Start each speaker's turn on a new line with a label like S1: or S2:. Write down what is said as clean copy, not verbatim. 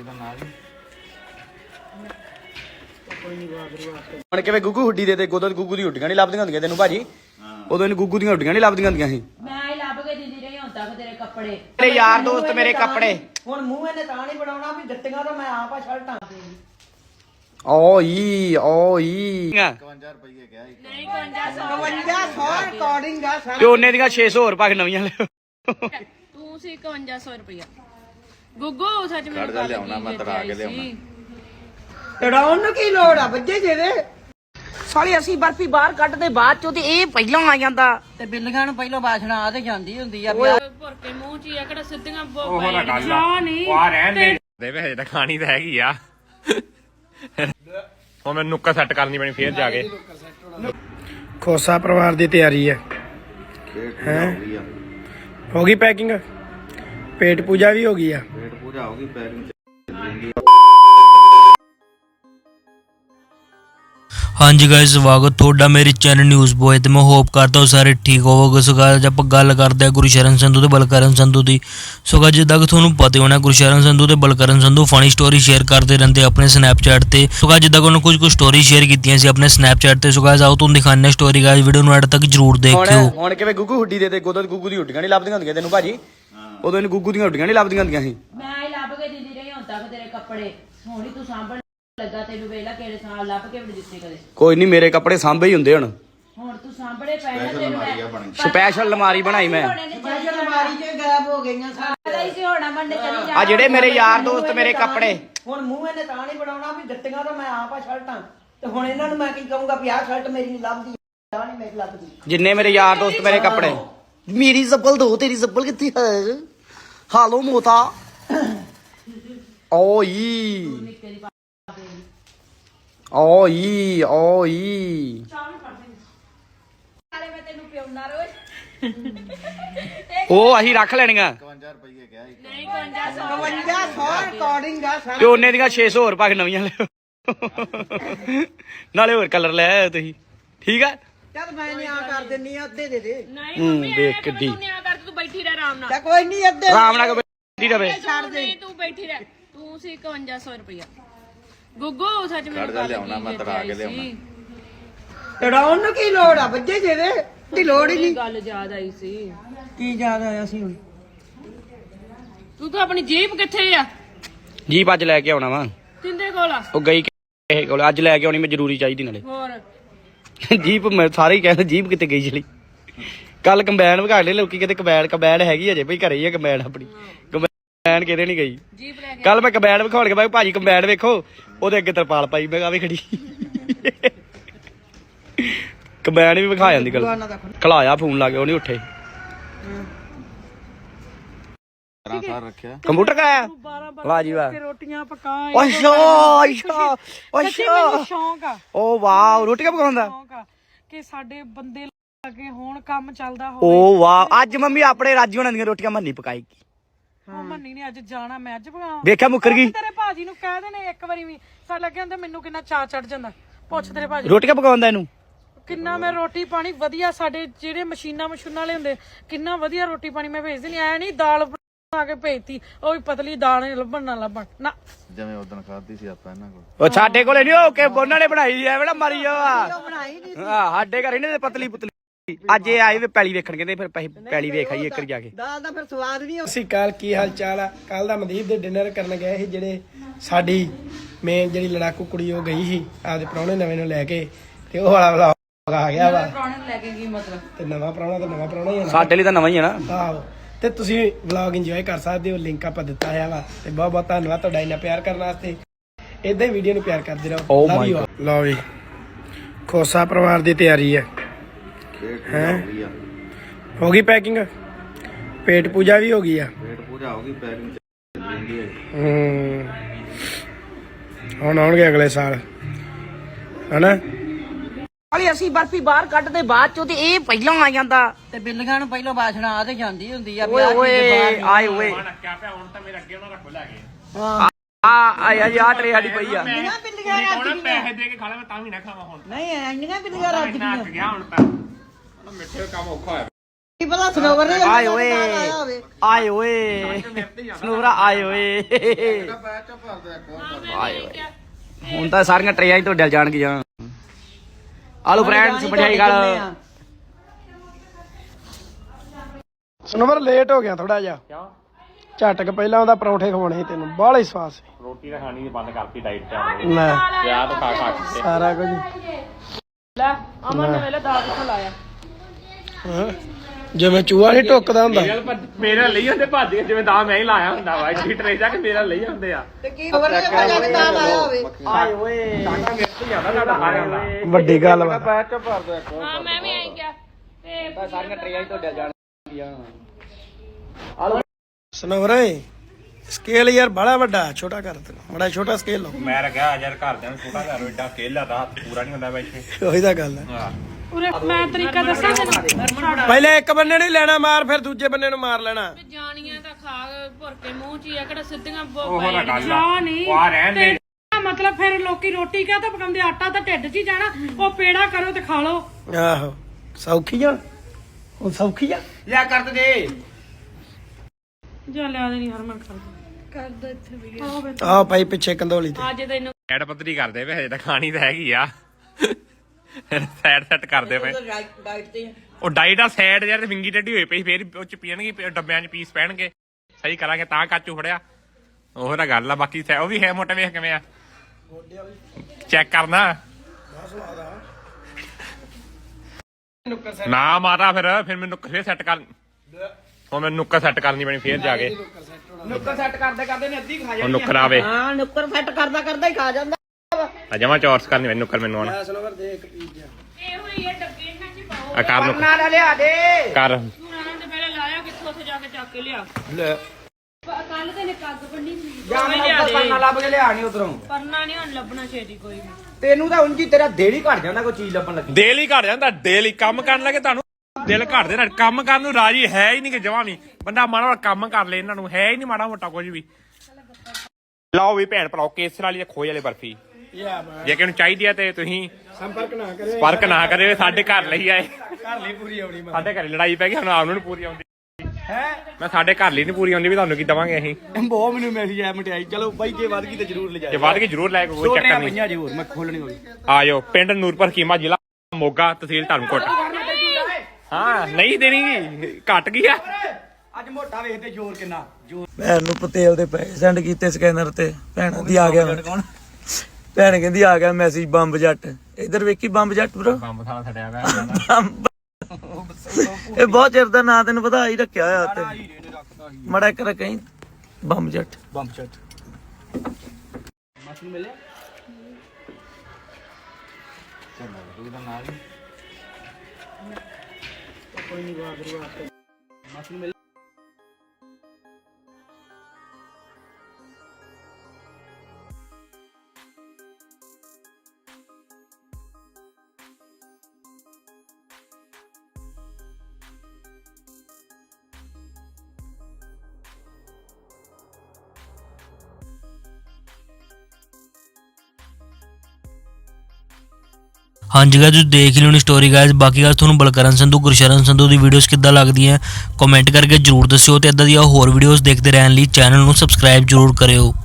S1: ਹੁਣ ਕਿਵੇਂ ਗੁੱਗੂ ਹੁੱਡੀ ਦੇ ਤੇ ਗੋਦੋਂ ਗੁੱਗੂ ਦੀ ਹੁੱਡੀਆਂ ਨਹੀਂ ਲੱਭਦੀਆਂ ਹੁੰਦੀਆਂ ਤੈਨੂੰ ਭਾਜੀ। ਉਦੋਂ ਇਹਨੂੰ ਗੁੱਗੂ ਦੀਆਂ ਹੁੱਡੀਆਂ ਨਹੀਂ ਲੱਭਦੀਆਂ ਹੁੰਦੀਆਂ ਸੀ।
S2: ਮੈਂ ਹੀ ਲੱਭ ਕੇ ਦਿੰਦੀ ਰਹੀ ਹੁਣ ਤੱਕ ਤੇਰੇ ਕੱਪੜੇ।
S1: ਤੇਰੇ ਯਾਰ ਦੋਸਤ ਮੇਰੇ ਕੱਪੜੇ
S3: ਹੁਣ ਮੂੰਹ ਇਹਨੇ ਤਾਂ ਨਹੀਂ ਬਣਾਉਣਾ ਵੀ ਦਿੱਤੀਆਂ ਤਾਂ ਮੈਂ ਆਪ ਆ ਸ਼ਰਟਾਂ।
S1: ਓਈ
S4: 51 ਰੁਪਏ ਕਿਹਾ ਸੀ।
S2: ਨਹੀਂ 51
S3: 51 ਰਿਕਾਰਡਿੰਗ ਆ ਸਾਰਾ।
S1: ਤੇ ਉਹਨੇ ਦੀਆਂ 600 ਹੋਰ ਪਾ ਕੇ ਨਵੀਆਂ ਲਿਓ।
S2: ਤੂੰ ਸੀ 5100 ਰੁਪਇਆ। ਗੁੱਗੂ ਸੱਚ ਮੈਨੂੰ
S4: ਕੱਢ ਲਿਆਉਣਾ ਮੈਂ ਤੜਾ ਕੇ ਲਿਆਉਣਾ।
S3: ਤੜਾਉਣ ਨੂੰ ਕੀ ਲੋੜ ਆ ਬੱਜੇ ਜਿਹਦੇ ਸਾਲੀ ਅਸੀਂ ਬਰਫੀ ਬਾਹਰ ਕੱਢਦੇ ਬਾਅਦ ਚੋਂ ਤੇ ਇਹ ਪਹਿਲਾਂ ਆ ਜਾਂਦਾ ਤੇ ਬਿੱਲੀਆਂ ਨੂੰ ਪਹਿਲਾਂ ਬਾਸ਼ਣਾ ਆ ਤੇ ਜਾਂਦੀ ਹੁੰਦੀ ਆ।
S2: ਭੁਰ ਕੇ ਮੂੰਹ ਚ ਆ ਕਿਹੜਾ ਸਿੱਧੀਆਂ ਨਹੀਂ
S5: ਆ ਰਹਿਣ ਦੇ ਵੇ ਹਜੇ ਤਾਂ ਖਾਣੀ ਤਾਂ ਹੈਗੀ ਆ। ਹੁਣ ਮੈਨੂੰ ਨੁੱਕਾ ਸੈੱਟ ਕਰਨੀ ਪੈਣੀ ਫੇਰ ਜਾ ਕੇ।
S6: ਖੋਸਾ ਪਰਿਵਾਰ ਦੀ ਤਿਆਰੀ ਹੈ ਹੋ ਗਈ ਪੈਕਿੰਗ ਪੇਟ ਪੂਜਾ ਵੀ ਹੋ ਗਈ ਆ
S4: ਪੇਟ ਪੂਜਾ ਹੋ ਗਈ ਪੈਕਿੰਗ।
S7: ਹਾਂਜੀ ਗਾਇਸ ਸਵਾਗਤ ਤੁਹਾਡਾ ਮੇਰੇ ਚੈਨਲ ਨਿਊਜ਼ ਬੋਏ ਤੇ ਮੈਂ ਹੋਪ ਕਰਦਾ ਹਾਂ ਸਾਰੇ ਠੀਕ ਹੋਵੋਗੇ। ਸੋ ਗਾਇਸ ਆਪਾਂ ਗੱਲ ਕਰਦੇ ਹਾਂ ਗੁਰਸ਼ਰਨ ਸੰਧੂ ਤੇ ਬਲਕਰਨ ਸੰਧੂ ਦੀ। ਸੋ ਗਾਇਸ ਜਿੱਦਾਂ ਕਿ ਤੁਹਾਨੂੰ ਪਤਾ ਹੋਣਾ ਗੁਰਸ਼ਰਨ ਸੰਧੂ ਤੇ Balkaran Sandhu funny story share ਕਰਦੇ ਰਹਿੰਦੇ ਆਪਣੇ ਸਨੈਪਚੈਟ ਤੇ। ਸੋ ਗਾਇਸ ਜਿੱਦਾਂ ਕਿ ਉਹਨਾਂ ਕੁਝ ਸਟੋਰੀ ਸ਼ੇਅਰ ਕੀਤੀਆਂ ਸੀ ਆਪਣੇ ਸਨੈਪਚੈਟ ਤੇ। ਸੋ ਗਾਇਸ ਆਓ ਤੁਹਾਨੂੰ ਦਿਖਾਉਂਦੇ ਹਾਂ ਸਟੋਰੀ। ਗਾਇਸ ਵੀਡੀਓ ਨੂੰ ਐਡ ਤੱਕ ਜਰੂਰ ਦੇਖਿਓ।
S1: ਹੁਣ ਕਿਵੇਂ ਗੁੱਗੂ ਹੁੱਡੀ ਦੇ ਤੇ ਗੋਦੋਂ ਗੁੱਗੂ ਦੀ ਹੁੱਡੀਆਂ ਨਹੀਂ ਲੱਭਦੀਆਂ ਹੁੰਦੀਆਂ ਤੈਨੂੰ ਭਾਜੀ। ਉਦੋਂ ਇਹਨੂੰ ਗੁੱਗੂ ਦੀਆਂ ਹੁੱਡੀਆਂ ਨਹੀਂ ਲੱਭਦੀਆਂ ਹੁੰਦੀਆਂ ਸੀ।
S2: ਮੈਂ ਹੀ ਲੱਭ ਕੇ ਦਿੰਦੀ ਰਹੀ ਹੁਣ ਤੱਕ ਤੇਰੇ ਕੱਪੜੇ। ਹੁਣ ਹੀ ਤੂੰ ਸਾਂਭਣ ਲੱਗਾ। ਤੈਨੂੰ ਵੇਲਾ ਕਿਹੜੇ ਸਾਲ ਲੱਭ ਕੇ ਵੀ ਦਿੱਤੇ ਕਦੇ।
S1: ਕੋਈ ਨਹੀਂ ਮੇਰੇ ਕੱਪੜੇ ਸਾਂਭੇ ਹੀ ਹੁੰਦੇ ਹੁਣ
S2: ਤੂੰ ਸਾਂਭੜੇ ਪੈ ਨਾ ਤੈਨੂੰ
S1: ਸਪੈਸ਼ਲ ਅਲਮਾਰੀ ਬਣਾਈ ਮੈਂ।
S3: ਸਪੈਸ਼ਲ ਅਲਮਾਰੀ 'ਚ ਗਾਇਬ ਹੋ ਗਈਆਂ ਸਾਰੀਆਂ।
S2: ਸੀ ਹੋਣਾ ਮੰਡੇ ਚਲੀ ਜਾ।
S1: ਆ ਜਿਹੜੇ ਮੇਰੇ ਯਾਰ ਦੋਸਤ ਮੇਰੇ ਕੱਪੜੇ
S3: ਹੁਣ ਮੂੰਹ ਇਹਨੇ ਤਾਂ ਨਹੀਂ ਬਣਾਉਣਾ ਵੀ ਦਿੱਤੀਆਂ ਤਾਂ ਮੈਂ ਆਪ ਆ ਸ਼ਰਟਾਂ ਤੇ ਹੁਣ ਇਹਨਾਂ ਨੂੰ ਮੈਂ ਕੀ ਕਹੂੰਗਾ ਵੀ ਆਹ ਸ਼ਰਟ ਮੇਰੀ ਨਹੀਂ ਲੱਭਦੀ ਆ ਨਹੀਂ ਮੇਰੀ ਲੱਭਦੀ।
S1: ਜਿੰਨੇ ਮੇਰੇ ਯਾਰ ਦੋਸਤ ਮੇਰੇ ਕੱਪੜੇ ਮੇਰੀ ਜ਼ੱਬਲ ਦੋ ਤੇਰੀ ਜ਼ੱਬਲ ਕਿੱਥੇ ਹੈ ਹਾਲੋ ਮੋਤਾ ਓਈ
S2: ਮੈਂ ਤੈਨੂੰ ਪਿਉਣਾ ਰੋਜ਼।
S1: ਉਹ ਅਸੀਂ ਰੱਖ ਲੈਣੀਆਂ
S4: 51 ਰੁਪਏ ਕਿਹਾ ਸੀ।
S2: ਨਹੀਂ 51
S3: 51 ਰਿਕਾਰਡਿੰਗ ਆ ਸਾਰਾ।
S1: ਤੇ ਉਹਨੇ ਦੀਆਂ 600 ਹੋਰ ਪਾ ਕੇ ਨਵੀਆਂ ਲਿਓ। ਨਾਲੇ ਹੋਰ ਕਲਰ ਲੈ ਆਇਓ ਤੁਸੀਂ ਠੀਕ ਆ।
S3: ਚੱਲ ਮੈਂ ਨਿਆਂ ਕਰ ਦਿੰਨੀ ਆ ਅੱਧੇ ਦੇ ਦੇ।
S2: ਨਹੀਂ ਮੰਮੀ
S1: ਵੇਖ ਕਿੱਡੀ
S2: ਤੂੰ ਨਿਆ ਕਰ ਤੂੰ ਬੈਠੀ ਰਹਿ ਆਰਾਮ ਨਾਲ।
S3: ਤਾਂ ਕੋਈ ਨਹੀਂ ਅੱਧੇ
S1: ਆਰਾਮ ਨਾਲ ਬੈਠੀ ਰਵੇ।
S2: ਛੱਡ ਦੇ ਤੂੰ ਬੈਠੀ ਰਹਿ। ਤੂੰ ਸੀ 5100 ਰੁਪਇਆ। ਗੁੱਗੂ ਸੱਚ ਮੈਨੂੰ
S4: ਕੱਢ ਲਿਆਉਣਾ ਮੈਂ ਤੜਾ ਕੇ ਲਿਆਉਣਾ।
S3: ਤੜਾਉਣ ਨੂੰ ਕੀ ਲੋੜ ਆ ਬੱਜੇ ਜਿਹਦੇ ਦੀ ਲੋੜ ਹੀ ਨਹੀਂ।
S2: ਗੱਲ ਯਾਦ ਆਈ ਸੀ।
S3: ਕੀ ਯਾਦ ਆਇਆ ਸੀ ਹੁਣ?
S2: ਤੂੰ ਤਾਂ ਆਪਣੀ ਜੀਪ ਕਿੱਥੇ ਆ?
S1: ਜੀਪ ਅੱਜ ਲੈ ਕੇ ਆਉਣਾ ਵਾ।
S2: ਤਿੰਦੇ ਕੋਲ ਆ।
S1: ਉਹ ਗਈ ਕਿਸੇ ਕੋਲ ਅੱਜ ਲੈ ਕੇ ਆਉਣੀ ਮੈਂ ਜ਼ਰੂਰੀ ਚਾਹੀਦੀ ਨਾਲੇ।
S2: ਹੋਰ
S1: ਜੀਪ ਮੈਂ ਸਾਰੇ ਹੀ ਕਹਿੰਦੇ ਜੀਪ ਕਿਤੇ ਗਈ ਚਲੀ। ਕੱਲ ਕੰਬਾਈਨ ਵਿਖਾ ਲਏ ਲੋਕੀ ਕਿਤੇ ਕੰਬਾਈਨ ਹੈਗੀ ਅਜੇ ਭਈ ਘਰੇ ਹੀ ਆ ਕੰਬਾਈਨ ਆਪਣੀ। ਕੰਬਾਈਨ ਕਿਤੇ ਨਹੀਂ ਗਈ।
S2: ਜੀਪ ਲੈ ਕੇ
S1: ਕੱਲ ਮੈਂ ਕੰਬਾਈਨ ਵਿਖਾਉਣ ਕੇ ਬਾਈ ਭਾਜੀ ਕੰਬਾਈਨ ਵੇਖੋ ਉਹਦੇ ਅੱਗੇ ਤਰਪਾਲ ਪਾਈ ਮੈਂ ਆਵੇ ਖੜੀ। ਕੰਬਾਈਨ ਵੀ ਵਿਖਾ ਜਾਂਦੀ ਕੱਲ ਖਲਾਇਆ ਫੋਨ ਲਾ ਕੇ ਉਹ ਨਹੀਂ ਉੱਠੇ।
S4: ਸਾਰ ਰੱਖਿਆ
S1: ਕੰਪਿਊਟਰ ਕਾਇਆ ਵਾਹ ਜੀ ਵਾਹ।
S3: ਰੋਟੀਆਂ ਪਕਾ
S1: ਅੱਛਾ
S3: ਸ਼ੌਂਕ ਆ।
S1: ਓ ਵਾਹ ਰੋਟੀਆਂ ਪਕਾਉਂਦਾ।
S3: ਸ਼ੌਂਕ ਆ ਕਿ ਸਾਡੇ ਬੰਦੇ ਲੱਗੇ ਹੋਣ ਕੰਮ ਚੱਲਦਾ
S1: ਓ ਵਾਹ ਅੱਜ ਮੰਮੀ ਆਪਣੇ ਰਾਜੀ ਹੋਣਾਂ ਦੀਆਂ ਰੋਟੀਆਂ ਮੰਨੀ ਪਕਾਏਗੀ।
S3: ਉਹ ਮੰਨੀ ਨੇ ਅੱਜ ਜਾਣਾ ਮੈਂ ਅੱਜ ਪਕਾਵਾਂ।
S1: ਵੇਖਿਆ ਮੁੱਕਰ ਗਈ।
S3: ਤੇਰੇ ਭਾਜੀ ਨੂੰ ਕਹਿ ਦੇਣੇ ਇੱਕ ਵਾਰੀ ਵੀ ਸਾਡੇ ਲੱਗੇ ਹੁੰਦੇ ਮੈਨੂੰ ਕਿੰਨਾ ਚਾਅ ਚੜ ਜਾਂਦਾ। ਪੁੱਛ ਤੇਰੇ ਭਾਜੀ
S1: ਰੋਟੀਆਂ ਪਕਾਉਂਦਾ ਇਹਨੂੰ
S3: ਕਿੰਨਾ ਮੈਂ ਰੋਟੀ ਪਾਣੀ ਵਧੀਆ ਸਾਡੇ ਜਿਹੜੇ ਮਸ਼ੀਨਾਂ ਵਾਲੇ ਹੁੰਦੇ ਕਿੰਨਾ ਵਧੀਆ ਰੋਟੀ ਪਾਣੀ ਮੈਂ ਭੇਜ ਦਿੰਦੀ। ਐ ਨਹੀਂ ਦਾਲ ਬਣਾ ਕੇ ਭੇਜਤੀ ਉਹ ਵੀ ਪਤਲੀ ਦਾਲ ਲੱਭਣ ਨਾ ਲੱਭਣ ਨਾ
S4: ਜਿਵੇਂ ਉਦੋਂ ਖਾਧੀ ਸੀ ਆਪਾਂ ਇਹਨਾਂ ਕੋਲ।
S1: ਉਹ ਸਾਡੇ ਕੋਲੇ ਨਹੀਂ ਹੋ ਕੇ ਉਹਨਾਂ ਨੇ ਬਣਾਈ ਸੀ ਐਵੇਂ ਨਾ ਮਾਰੀ ਜਾ।
S3: ਬਣਾਈ ਨਹੀਂ
S1: ਹਾਂ ਸਾਡੇ ਘਰ ਇਹਨੇ ਪਤਲੀ ਪੁਤਲੀ ਅੱਜ ਇਹ ਆਏ ਵੇ ਪੈਲੀ ਵੇਖਣ ਕਹਿੰਦੇ ਫਿਰ ਪੈਲੀ ਵੇਖ ਆਈਏ ਇੱਕ ਜਾ ਕੇ।
S3: ਦਾਲ ਦਾ ਫਿਰ ਸਵਾਦ ਨਹੀਂ
S6: ਅਸੀਂ ਕੱਲ ਕੀ ਹਾਲ ਚਾਲ ਆ। ਕੱਲ ਦਾ ਮਨਦੀਪ ਦੇ ਡਿਨਰ ਕਰਨ ਗਏ ਸੀ ਜਿਹੜੇ ਸਾਡੀ ਮੇਨ ਜਿਹੜੀ ਲੜਾਕੂ ਕੁੜੀ ਉਹ ਗਈ ਸੀ ਆਪਦੇ ਪ੍ਰਾਹੁਣੇ ਨਵੇਂ ਨੂੰ ਲੈ ਕੇ ਤੇ ਉਹ ਵਾਲਾ ਵਲੌਗ ਆ ਗਿਆ ਵਾ।
S2: ਪ੍ਰਾਹੁਣੇ ਲੈ ਕੇ ਕੀ ਮਤਲਬ?
S6: ਤੇ ਨਵਾਂ ਪ੍ਰਾਹੁਣਾ ਤਾਂ ਨਵਾਂ ਪ੍ਰਾਹੁਣਾ ਹੀ ਆ ਨਾ।
S1: ਸਾਡੇ ਲਈ ਤਾਂ ਨਵਾਂ ਹੀ ਆ ਨਾ।
S6: ਆਹੋ ਤੇ ਤੁਸੀਂ ਵਲੌਗ ਇੰਜੋਏ ਕਰ ਸਕਦੇ ਹੋ। ਲਿੰਕ ਆਪਾਂ ਦਿੱਤਾ ਹੋਇਆ ਵਾ ਤੇ ਬਹੁਤ ਬਹੁਤ ਧੰਨਵਾਦ ਤੁਹਾਡਾ ਇੰਨਾ ਪਿਆਰ ਕਰਨ ਵਾਸਤੇ। ਇਦਾਂ ਹੀ ਵੀਡੀਓ ਨੂੰ ਪਿਆਰ ਕਰਦੇ ਰਹੋ। Love you. ਲਓ ਵੀ ਖੋਸਾ ਪਰਿਵਾਰ ਦੀ ਤਿਆਰੀ ਹੈ ਹੋ ਗਈ ਪੈਕਿੰਗ ਪੇਟ ਪੂਜਾ ਵੀ ਹੋ ਗਈ ਆ।
S4: ਪੇਟ ਪੂਜਾ ਹੋ ਗਈ ਪੈਕਿੰਗ।
S6: ਹੁਣ ਆਉਣਗੇ ਅਗਲੇ ਸਾਲ ਹਨਾ।
S3: ਵਾਲੀ ਅਸੀਂ ਬਰਫੀ ਬਾਹਰ ਕੱਢਦੇ ਬਾਅਦ ਚੋਂ ਤੇ ਇਹ ਪਹਿਲਾਂ ਆ ਜਾਂਦਾ ਤੇ ਬਿੱਲੀਆਂ ਨੂੰ ਪਹਿਲਾਂ ਬਾਸ਼ਣਾ ਆ ਤੇ ਜਾਂਦੀ ਹੁੰਦੀ ਆ।
S1: ਓਏ ਓਏ ਆਏ ਓਏ
S5: ਨੱਕਿਆ ਪਿਆ ਹੁਣ ਤਾਂ ਮੇਰੇ ਅੱਗੇ ਉਹਨਾਂ ਰੱਖੋ ਲੈ ਕੇ।
S1: ਆ ਯਾਰ ਟਰੇ ਸਾਡੀ ਪਈ ਆ।
S3: ਇੰਨੀਆਂ ਬਿੱਲੀਆਂ ਰੱਜ ਗਈਆਂ।
S5: ਪੈਸੇ ਦੇ ਕੇ ਖਾ ਲੈ ਮੈਂ ਤਾਂ ਵੀ ਨਾ ਖਾਵਾਂ ਹੁਣ।
S3: ਨਹੀਂ ਇੰਨੀਆਂ ਬਿੱਲੀਆਂ ਰੱਜ
S5: ਨੱਕ
S3: ਗਈਆਂ।
S5: ਗਿਆ ਹੁਣ ਤਾਂ ਮਿੱਠੇ ਕੰਮ ਔਖਾ ਹੋਇਆ।
S3: ਕੀ ਪਤਾ ਸਨੋਵਰ ਨੇ
S1: ਆਏ ਓਏ ਆਏ ਓਏ ਸਨੋਵਰਾ ਆਏ ਓਏ ਆਏ ਓਏ ਹੁਣ ਤਾਂ ਸਾਰੀਆਂ ਟਰੇਆਂ ਹੀ ਤੁਹਾਡੇ ਜਾਣਗੀਆਂ ਆਲੂ ਫਰੈਂਡਸ ਮਠਿਆਈ ਗੱਲ
S6: ਸਨੋਵਰ ਲੇਟ ਹੋ ਗਿਆ ਥੋੜਾ ਜਿਹਾ
S5: ਕਿਉਂ
S6: ਝਟਕ ਪਹਿਲਾਂ ਉਹਦਾ ਪਰੌਂਠੇ ਖਵਾਉਣੇ ਸੀ ਤੈਨੂੰ ਬਾਹਲਾ ਹੀ ਸਵਾਦ ਸੀ
S5: ਰੋਟੀ ਤਾਂ ਖਾਣੀ ਬੰਦ ਕਰਤੀ ਡਾਈਟ ਤੇ ਆਉਂਦੇ
S6: ਲੈ
S5: ਵਿਆਹ ਤੋਂ ਖਾ ਖਾ ਕੇ
S6: ਸਾਰਾ ਕੁਝ
S2: ਅਮਨ ਨੇ ਵੇਲੇ ਦਾਲ ਕਿੱਥੋਂ ਲਾਇਆ
S6: ਹਾਂ। ਜਿਵੇਂ ਚੂਹਾ ਨਹੀਂ ਟੁੱਕਦਾ ਹੁੰਦਾ
S5: ਮੇਰੇ ਲਈ ਹੁੰਦੇ ਭੱਜ ਕੇ ਜਿਵੇਂ ਦਾ ਮੈਂ ਹੀ ਲਾਇਆ ਹੁੰਦਾ ਵਾ ਜੀ ਟਰੇ ਜਾ ਕੇ ਮੇਰਾ ਲਈ ਹੁੰਦੇ ਆ
S3: ਤੇ ਕੀ ਖਬਰ ਨੇ ਜਾ ਕੇ ਤਾਂ ਆਇਆ ਹੋਵੇ
S1: ਆਏ ਓਏ
S5: ਸਾਡਾ ਮਿਰਚ ਜ਼ਿਆਦਾ ਸਾਡਾ ਹਾਰੇ ਹੁੰਦਾ
S6: ਵੱਡੀ ਗੱਲ ਵਾ
S2: ਹਾਂ ਮੈਂ ਵੀ ਆਈ ਗਿਆ ਤੇ
S1: ਸਾਰੀਆਂ ਟਰੇਆਂ ਹੀ ਤੁਹਾਡੇ ਜਾਣਗੀਆਂ
S6: ਸਨੋਵਰ ਸਕੇਲ ਯਾਰ ਬੜਾ ਵੱਡਾ ਛੋਟਾ ਕਰ ਤੈਨੂੰ ਬੜਾ ਛੋਟਾ ਸਕੇਲ ਲਓ
S5: ਮੈਂ ਰੱਖਿਆ ਯਾਰ ਘਰਦਿਆਂ ਨੂੰ ਛੋਟਾ ਘਰ ਏਡਾ ਖੇਲ ਲਾ ਹੱਥ ਪੂਰਾ ਨਹੀਂ ਹੁੰਦਾ ਬੈਠੇ
S6: ਉਹੀ ਤਾਂ ਗੱਲ ਹੈ
S5: ਹਾਂ
S2: ਉਰੇ ਮੈਂ ਤਰੀਕਾ ਦੱਸਾਂ ਤੈਨੂੰ
S6: ਪਹਿਲੇ ਇੱਕ ਬੰਨੇ ਨਹੀਂ ਲੈਣਾ ਮਾਰ ਫਿਰ ਦੂਜੇ ਬੰਨੇ ਨੂੰ ਮਾਰ ਲੈਣਾ
S2: ਜਾਣੀਆਂ ਤਾਂ ਖਾ ਭੁਰ ਕੇ ਮੂੰਹ ਚ ਹੀ ਆ ਕਿਹੜਾ ਸਿੱਧੀਆਂ
S5: ਉਹ ਨਾ ਗੱਲ ਆ
S2: ਨਹੀਂ
S5: ਉਹ ਆ ਰਹਿਣ ਦੇ
S2: ਮਤਲਬ ਫਿਰ ਲੋਕੀ ਰੋਟੀ ਕਾਹ ਤਾਂ ਪਕਾਉਂਦੇ ਆਟਾ ਤਾਂ ਢਿੱਡ 'ਚ ਹੀ ਜਾਣਾ ਉਹ ਪੇੜਾ ਕਰੋ ਤੇ ਖਾ ਲਓ
S6: ਆਹੋ ਸੌਖੀ ਆ ਉਹ ਸੌਖੀ ਆ
S1: ਲਿਆ ਕਰ ਦੇ
S2: ਜਾ ਲਿਆ ਦੇ ਨਹੀਂ ਹਰਮਨ ਕਰਦਾ ਇੱਥੇ ਵੀ
S6: ਆਹ ਭਾਈ ਪਿੱਛੇ ਕੰਧੋਲੀ ਤੇ
S2: ਅੱਜ ਤੈਨੂੰ
S5: ਐਡ ਪੱਧਰੀ ਕਰਦੇ ਵੇ ਹਜੇ ਤਾਂ ਖਾਣੀ ਤਾਂ ਹੈਗੀ ਆ ਸਾਈਡ ਸੈੱਟ ਕਰਦੇ ਪਏ
S3: ਡਾਈਟ ਤੇ
S5: ਉਹ ਡਾਈਟ ਆ ਸਾਈਡ ਯਾਰ ਵਿੰਗੀ ਟੱਡੀ ਹੋਈ ਪਈ ਫੇਰ ਉਹ ਚ ਪੀਣਗੇ ਡੱਬਿਆਂ ਚ ਪੀਸ ਪੈਣਗੇ ਸਹੀ ਕਰਾਂਗੇ ਤਾਂ ਕਾਚੂ ਫੜਿਆ ਉਹ ਤਾਂ ਗੱਲ ਆ ਬਾਕੀ ਉਹ ਵੀ ਹੈ ਮੋਟੇ ਵੇਖ ਕਿਵੇਂ ਆ ਚੈੱਕ ਕਰਨਾ ਨਾ ਮਾਰਾ ਫਿਰ ਮੈਨੂੰ ਫੇਰ ਸੈੱਟ ਕਰ ਹੁਣ ਮੈਨੂੰ ਨੁੱਕਰ ਸੈੱਟ ਕਰਨੀ ਪੈਣੀ ਫੇਰ ਜਾ ਕੇ
S1: ਨੁੱਕਰ ਸੈੱਟ ਕਰਦੇ ਕਰਦੇ ਨੇ ਅੱਧੀ ਖਾ
S5: ਹੁਣ ਨੁੱਕਰ ਆਵੇ
S3: ਹਾਂ ਨੁੱਕਰ ਸੈੱਟ ਕਰਦਾ ਕਰਦਾ ਹੀ ਖਾ ਜਾਂਦਾ
S5: ਆ ਜਮਾ ਚੌਰਸ ਕਰਨੀ ਪੈਣੀ ਨੁੱਕਰ ਮੈਨੂੰ ਹੁਣ
S6: ਸਨੋਵਰ ਦੇ ਇੱਕ ਪੀਜ਼ਾ
S2: ਇਹੋ ਹੀ ਇਹ ਡੱਬੇ ਇਹਨਾਂ 'ਚ ਪਾਓ
S5: ਆ ਕਰ ਨੁੱਕਰ
S1: ਨਾ ਲਿਆ ਦੇ
S5: ਕਰ
S2: ਤੂੰ ਇਹਨਾਂ ਦੇ ਪਹਿਲੇ ਲਾਇਆ ਕਿੱਥੋਂ ਉੱਥੇ ਜਾ ਕੇ ਚੱਕ ਕੇ ਲਿਆ
S1: ਲੈ
S2: ਕੱਲ ਤੇ ਨੇ ਪੱਗ ਬੰਨੀ ਸੀ
S1: ਜਾਂ ਮੈਂ ਉੱਪਰ ਪਰਨਾ ਲੱਭ ਕੇ ਲਿਆ ਨਹੀਂ ਉਧਰੋਂ
S2: ਪਰਨਾ ਨਹੀਂ ਹੁਣ ਲੱਭਣਾ ਛੇਤੀ ਕੋਈ ਵੀ
S1: ਤੈਨੂੰ ਤਾਂ ਉਂਝ ਹੀ ਤੇਰਾ ਦੇੜੀ ਘਟ ਜਾਂਦਾ ਕੋਈ ਚੀਜ਼ ਲੱਭਣ ਲੱਗੀ
S5: ਦਿਲ ਹੀ ਘਟ ਜਾਂਦਾ ਦਿਲ ਹੀ ਕੰਮ ਕਰਨ ਲੱਗੇ ਤੁਹਾਨੂੰ ਦਿਲ ਘਟਦੇ ਨਾ ਕੰਮ ਕਰਨ ਨੂੰ ਰਾਜੀ ਹੈ ਹੀ ਨਹੀਂ ਕਿ ਜਮਾਂ ਵੀ ਬੰਦਾ ਮਾੜਾ ਮੋਟਾ ਕੰਮ ਕਰ ਲੇ ਇਹਨਾਂ ਨੂੰ ਹੈ ਹੀ ਨਹੀਂ ਮਾੜਾ ਮੋਟਾ ਕੁਝ ਵੀ ਲਾਓ ਵੀ ਭੈਣ ਭਰਾਓ ਕੇਸਰ ਵਾਲੀ ਖੋਏ ਵਾਲੀ ਬਰਫੀ ਜੇ ਕਿਸੇ ਨੂੰ ਚਾਹੀਦੀ ਆ ਤੇ ਤੁਸੀਂ ਸੰਪਰਕ ਨਾ ਕਰਿਓ ਸਾਡੇ ਘਰ ਲਈ ਆਏ
S6: ਘਰ ਲਈ ਪੂਰੀ ਆਉਣੀ
S5: ਸਾਡੇ ਘਰੇ ਲੜਾਈ ਪੈ ਗਈ ਹੁਣ ਆਪ ਨੂੰ ਨੀ ਪੂਰੀ ਆਉਂਦੀ ਹੈ ਮੈਂ ਸਾਡੇ ਘਰ ਲਈ ਨਹੀਂ ਪੂਰੀ ਆਉਂਦੀ ਵੀ ਤੁਹਾਨੂੰ ਕੀ ਦਵਾਂਗੇ ਅਸੀਂ
S1: ਬਹੁਤ ਮੈਨੂੰ ਮੈਸੇਜ ਆਇਆ ਮਠਿਆਈ ਚਲੋ ਬਾਈ ਜੇ ਵੱਧ ਗਈ ਤੇ ਜ਼ਰੂਰ ਲੈ
S5: ਜੇ ਵੱਧ ਕੇ ਜ਼ਰੂਰ ਲੈ ਕੇ ਕੋਈ ਚੱਕਰ ਨਹੀਂ
S1: ਪਈਆਂ ਜੀ ਹੋਰ ਮੈਂ ਖੋਲਣੀ ਹੋਈ
S5: ਆਜੋ ਪਿੰਡ ਨੂਰਪੁਰ ਕੀਮਾ ਜ਼ਿਲ੍ਹਾ ਮੋਗਾ ਤਹਿਸੀਲ ਧਰਮਕੋਟ ਹਾਂ ਨਹੀਂ ਦੇਣੀ ਘਟ ਗਈ ਆ
S1: ਅੱਜ ਮੋਟਾ ਵੇਖਦੇ ਜ਼ੋਰ ਕਿੰਨਾ ਜ਼ੋਰ
S8: ਭੈਣ ਨੂੰ ਪਤੇਲ ਦੇ ਪੈਸੇ ਸੈਂਡ ਕੀਤੇ ਸਕੈਨਰ ਤੇ ਭੈਣ ਦੀ ਆ ਗਿਆ ਭੈਣ ਕਹਿੰਦੀ ਆ ਗਿਆ ਮੈਸੇਜ ਬੰਬ ਜੱਟ ਇਧਰ ਵੇਖੀ ਬੰਬ ਜੱਟ ਬ్రో
S5: ਬੰਬ ਥਾਲਾ ਛੱਡਿਆ ਮੈਂ
S8: ਇਹ ਬਹੁਤ ਚਿਰ ਦਾ ਨਾਂ ਤੈਨੂੰ ਪਤਾ ਹੀ ਰੱਖਿਆ ਹੋਇਆ ਤੇ ਮੜਾ ਕਰ ਕਹੀਂ ਬੰਬ ਜੱਟ
S1: ਮਸਲ ਮਿਲਿਆ ਕੋਈ ਨਹੀਂ ਬਾਤ ਮਸਲ ਮਿਲ
S7: ਹਾਂਜੀ ਗਾਇਸ ਤੁਸੀਂ ਦੇਖ ਲਿਓ ਨੀ ਸਟੋਰੀ ਗਾਇਸ ਬਾਕੀ ਗੱਲ ਤੁਹਾਨੂੰ ਬਲਕਰਨ ਸੰਧੂ ਗੁਰਸ਼ਰਨ ਸੰਧੂ ਦੀ ਵੀਡੀਓਜ਼ ਕਿੱਦਾਂ ਲੱਗਦੀਆਂ ਕਮੈਂਟ ਕਰਕੇ ਜਰੂਰ ਦੱਸਿਓ ਤੇ ਇਦਾਂ ਦੀਆਂ ਹੋਰ ਵੀਡੀਓਜ਼ ਦੇਖਦੇ ਰਹਿਣ ਲਈ ਚੈਨਲ ਨੂੰ ਸਬਸਕ੍ਰਾਈਬ ਜਰੂਰ ਕਰਿਓ।